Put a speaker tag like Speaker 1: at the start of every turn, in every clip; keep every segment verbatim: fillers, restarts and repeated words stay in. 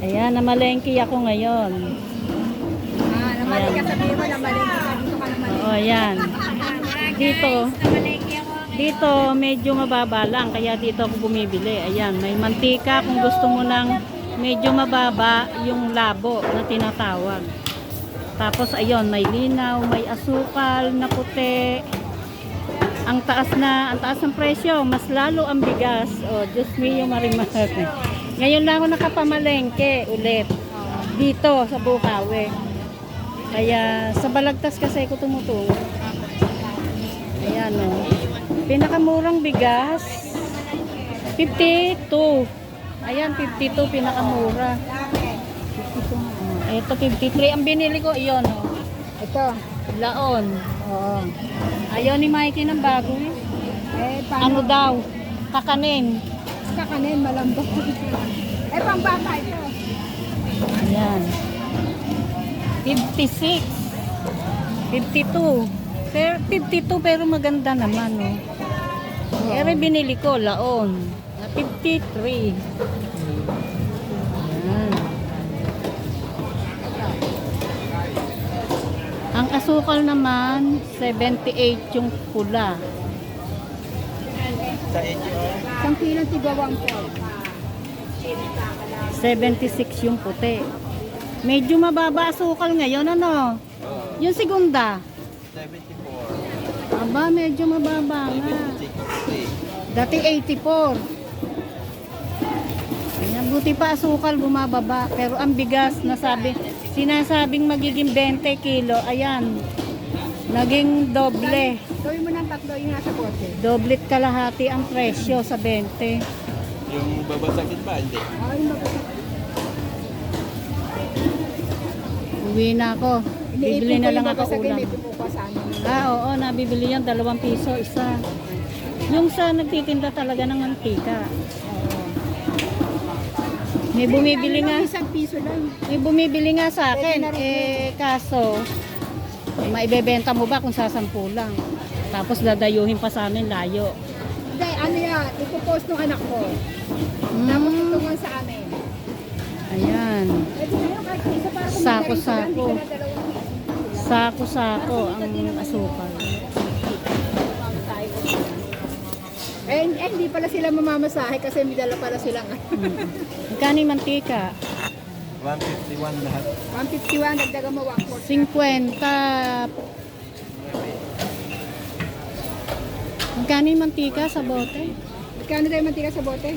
Speaker 1: Ayan, namalengke ako ngayon.
Speaker 2: Ah, namalengke ka, sabihin mo, namalengke ka. Dito ka namalengke.
Speaker 1: Oo, ayan. Dito, dito medyo mababa lang, kaya dito ako bumibili. Ayan, may mantika kung gusto mo ng medyo mababa yung labo na tinatawag. Tapos ayun, may linaw, may asukal na puti. Ang taas na, ang taas ng presyo, mas lalo ang bigas. Oh, Diyos mio, marimar. Ngayon lang ako nakapamalengke ulit dito sa Bukawi. Kaya sa Balagtas kasi ako tumutungo. Ayan o. Pinakamurang bigas fifty-two. Ayan, fifty-two pinakamura. fifty-two. Ito fifty-three ang binili ko. Iyon o.
Speaker 2: Ito.
Speaker 1: Laon. Oo. Ayaw ni Mikey ng bago eh.
Speaker 2: Eh,
Speaker 1: Ano
Speaker 2: paano?
Speaker 1: daw? Kakanin.
Speaker 2: Kakanin, malambot. Eh, pang bata ito.
Speaker 1: Ayan. fifty-six. fifty-two. Pero fifty-two pero maganda naman oh. Pero binili ko laon. fifty-three. Ayan. Ang asukal naman seventy-eight yung pula.
Speaker 2: Isang kilo tigawang po.
Speaker 1: seventy-six yung puti. Medyo mababa asukal ngayon, ano? Yung segunda.
Speaker 3: seventy-four.
Speaker 1: Aba, medyo mababa nga. Dati eighty-four. Ayan, buti pa asukal bumababa. Pero ang bigas, nasabi, sinasabing magiging twenty kilo. Ayan, naging doble.
Speaker 2: Gawin mo ng tatlo yung nasa bote.
Speaker 1: Doblet kalahati ang presyo sa twenty.
Speaker 3: Yung babasakit ba? Hindi.
Speaker 2: Ay, mabasa.
Speaker 1: Uwi na ako. Bibili na lang ako ulam.
Speaker 2: May bumuka sa amin.
Speaker 1: Ah, oo, nabibili yan. Dalawang piso, isa. Yung sa nagtitinda talaga ng mantika. May bumibili nga.
Speaker 2: Isang piso lang.
Speaker 1: May bumibili nga sa akin. Eh, kaso, eh, maibebenta mo ba kung sasampu lang? Tapos dadayuhin pa sa amin, layo.
Speaker 2: Hindi, ano yan, ipopost ng anak ko.
Speaker 1: Mm.
Speaker 2: Tapos tutungan sa amin.
Speaker 1: Ayan.
Speaker 2: Eh, di ngayon, kahit isa para kung
Speaker 1: Sako-sako.
Speaker 2: hindi ka na dalawang piso.
Speaker 1: Sako-sako ang asukal.
Speaker 2: Eh, eh, hindi pala sila mamamasahe kasi may dala pala silang
Speaker 1: Mm. Magkano yung mantika?
Speaker 3: one fifty-one lahat.
Speaker 2: one fifty-one, dagdagan mo one forty.
Speaker 1: fifty. Magkano yung mantika sa bote?
Speaker 2: Kano tayo mantika sa bote?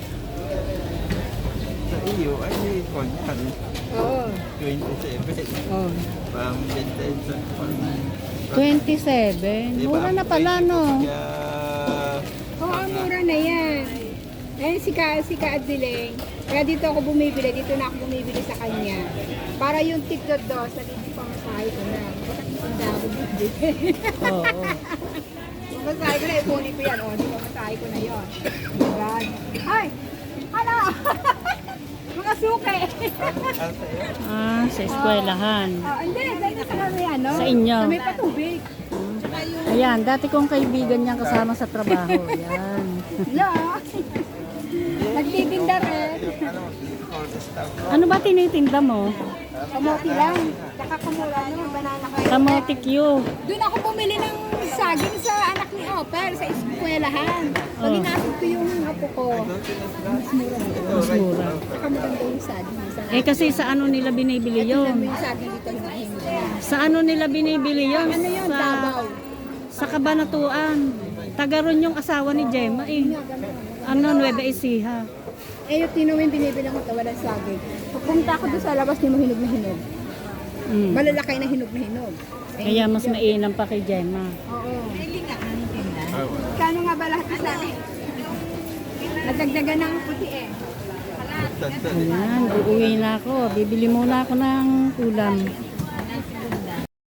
Speaker 3: Sa iyo, ay may call yan.
Speaker 2: Oo.
Speaker 3: twenty-seven.
Speaker 1: Oh.
Speaker 3: Pang vintage sa
Speaker 1: twenty-seven. Mura na pala, no?
Speaker 3: Kaya,
Speaker 2: Oo, oh, mura na yan. Eh, si Ka, si Ka Adileng. Kaya dito ako bumibili, dito na ako bumibili sa kanya. Para yung tip dot dos, nagiging pamasahe ko na. Ang dami bibili.
Speaker 1: Oo. Oh,
Speaker 2: Pamasahe ko na, ipuli ko yan. O, di pamasahe ko na yun. God. Ay! Hala! Mga suke!
Speaker 3: ang sa'yo.
Speaker 1: Ah, sa eskwelahan.
Speaker 2: Ah, hindi, dahil sa kami ano?
Speaker 1: Sa inyo.
Speaker 2: Sa may patubig.
Speaker 1: Ayan, dati kong kaibigan niyang kasama sa trabaho. Ayan.
Speaker 2: Hello! Nagtitinda rin.
Speaker 3: Ano, all the stuff.
Speaker 1: Ano ba tinitinda mo?
Speaker 2: Kamote lang. Tsaka kumura naman, banana kayo.
Speaker 1: Kamote Q.
Speaker 2: Doon ako bumili ng saging sa anak ni Oper sa eskwelahan. Pag
Speaker 1: Oh.
Speaker 2: inasok ko yung apo ko, mas mura.
Speaker 1: Mas mura.
Speaker 2: Tsaka maganda yung saging. Sa
Speaker 1: Eh kasi sa ano nila binibili
Speaker 2: Tingnan mo
Speaker 1: yon?
Speaker 2: yung saging dito, himahin mo yan.
Speaker 1: Sa ano nila binibili yon?
Speaker 2: Ano yun,
Speaker 1: Sa,
Speaker 2: Davao.
Speaker 1: sa Kabanatuan. Tagaron yung asawa ni Gemma eh. Ano, Nueva Ecija.
Speaker 2: Eh, yung tinuwin binibili ko ito, walang saging. Pagpunta ako doon sa labas, di mo hinog na hinog.
Speaker 1: Mm.
Speaker 2: Malalakay na hinog na hinog. Eh,
Speaker 1: Kaya mas mainam pa kay Gemma.
Speaker 2: Oo.
Speaker 3: Ah, wala.
Speaker 2: Kano nga ba lahat sa akin? Nadagdagan ng puti eh.
Speaker 3: Tanda.
Speaker 1: Ayan, uuwi na ako. Bibili muna ako ng ulam.